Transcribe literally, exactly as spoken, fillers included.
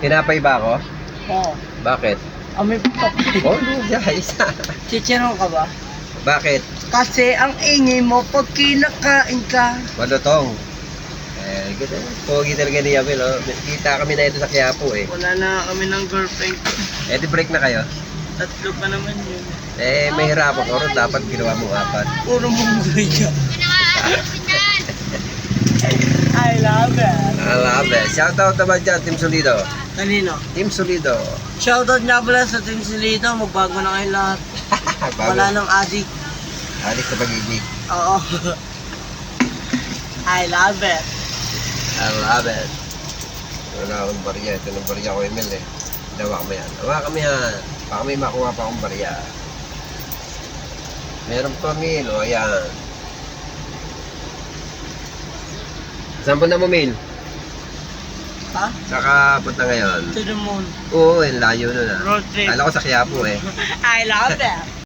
Tinapay ba ako? Oo. Bakit? Amoy papi. Oh, no, isa. Chichiron ka ba? Bakit? Kasi ang ingay mo pag kinakain ka. Malutong. Eh, ganda. Pogi talaga ni Yabel, oh. Kita kami na ito sa Quiapo, eh. Wala na kami ng girlfriend. Eh, di break na kayo. Tatlo pa naman yun. Eh, may hirap ako. Ron, dapat ginawa mong apat. Puro munggoy ka. I love it. I love it. Shoutout naman dyan, Team Solido. Kanino? Team Solido. Shoutout nga pala sa Team Silito. Magbago na kayo lahat. Wala nang adik. Alis sa pag-ibig. Oo. I love it. I love it. Wala akong barya. Ito ng barya ko, Emil, eh. Dawa kami yan. Dawa kami yan. Baka may makuha pa akong barya. Meron pa, Mil. O, ayan. Saan punta mo, Mil? Ha? Saka punta ngayon? To the moon. Oo, yung layo nun, ah. Road trip. Kala ko sa Quiapo, eh. I love it.